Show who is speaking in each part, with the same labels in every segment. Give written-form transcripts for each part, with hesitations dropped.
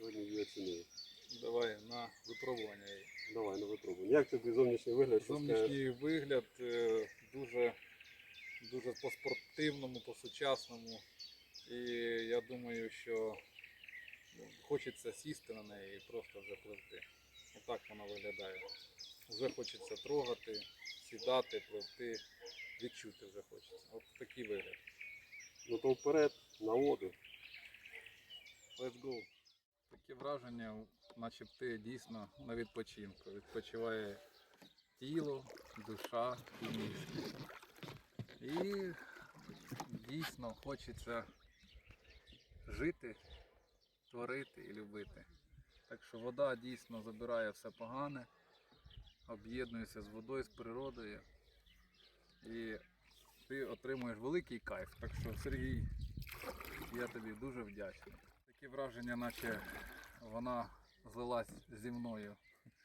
Speaker 1: сьогодні її оцінили.
Speaker 2: Давай на випробування.
Speaker 1: Давай на випробування. Як тобі зовнішній вигляд? Що скажеш?
Speaker 2: Зовнішній вигляд дуже, дуже по-спортивному, по-сучасному. І я думаю, що хочеться сісти на неї і просто вже пливти. Отак вона виглядає. Вже хочеться трогати, сідати, пливти, відчути вже хочеться. От такий вигляд.
Speaker 1: Ну то вперед, на воду.
Speaker 2: Let's go. Таке враження, наче ти дійсно на відпочинку. Відпочиває тіло, душа і мізки. І дійсно хочеться жити, творити і любити. Так що вода дійсно забирає все погане, об'єднується з водою, з природою. І ти отримуєш великий кайф. Так що, Сергій, я тобі дуже вдячний. Таке враження, наче вона злилась зі мною.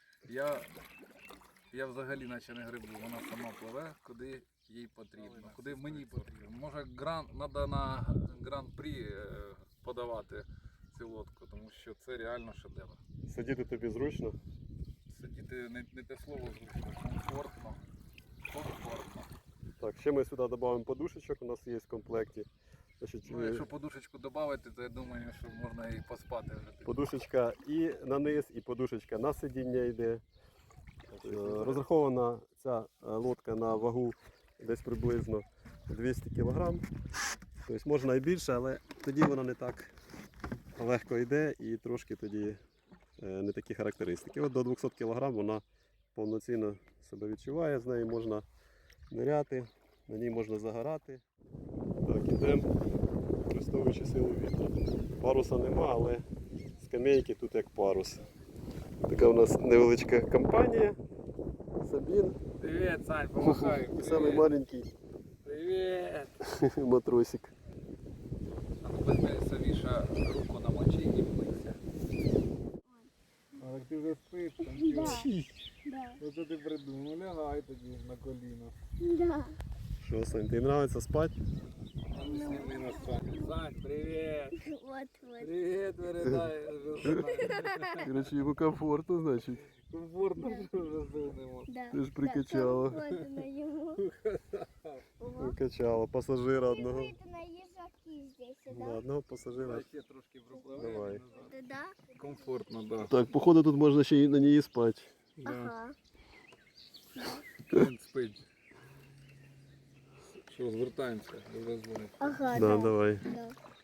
Speaker 2: Я взагалі наче не грибу, вона сама пливе, куди їй потрібно, куди мені потрібно. Може треба на гран-прі подавати цю лодку, тому що це реально шедевр.
Speaker 1: Сидіти тобі зручно?
Speaker 2: Сидіти не те слово зручно, комфортно. Комфортно.
Speaker 1: Так, ще ми сюди додамо подушечок, у нас є в комплекті. Значить,
Speaker 2: Ну, якщо подушечку додати, то я думаю, що можна і поспати вже.
Speaker 1: подушечка і на низ, і подушечка на сидіння йде. Розрахована ця лодка на вагу десь приблизно 200 кг. Тобто можна і більше, але тоді вона не так легко йде і трошки тоді не такі характеристики. От до 200 кг вона повноцінно себе відчуває, з нею можна ниряти, на ній можна загорати. Так, ідемо, використовуючи силу вітру. Паруса нема, але скамейки тут як парус. Така у нас невеличка компанія. Сабін.
Speaker 2: Привіт, Сань, помахай.
Speaker 1: І самий маленький
Speaker 2: Привіт.
Speaker 1: матросик.
Speaker 2: А ну візьми Савіша руку намочи і вмийся. А так ти вже спиш, там
Speaker 3: Да.
Speaker 2: Оце ти придумав, лягай тоді на коліна.
Speaker 3: Да.
Speaker 1: Що, Сань, тобі подобається спати?
Speaker 2: Сніми на Сань. Сань, привіт.
Speaker 3: Вот.
Speaker 2: Привіт, передай.
Speaker 1: Короче, йому комфортно, значить.
Speaker 2: Комфортно, що вже сунемо.
Speaker 3: Да.
Speaker 1: Ти ж прикачала.
Speaker 3: Да, комфортно ему.
Speaker 1: Прикачала пасажира одного.
Speaker 3: Это на ежаки здесь,
Speaker 1: Да,
Speaker 3: да?
Speaker 1: одного пасажира.
Speaker 2: Ще трошки пропливаємо.
Speaker 1: Давай.
Speaker 3: Да?
Speaker 2: Комфортно, так. Да.
Speaker 1: Так, походу тут можна ще й на ній спати.
Speaker 3: Ага.
Speaker 2: Він спить. Що, звертаємося, вже дзвонить.
Speaker 3: Ага,
Speaker 1: Да, давай.
Speaker 3: Да.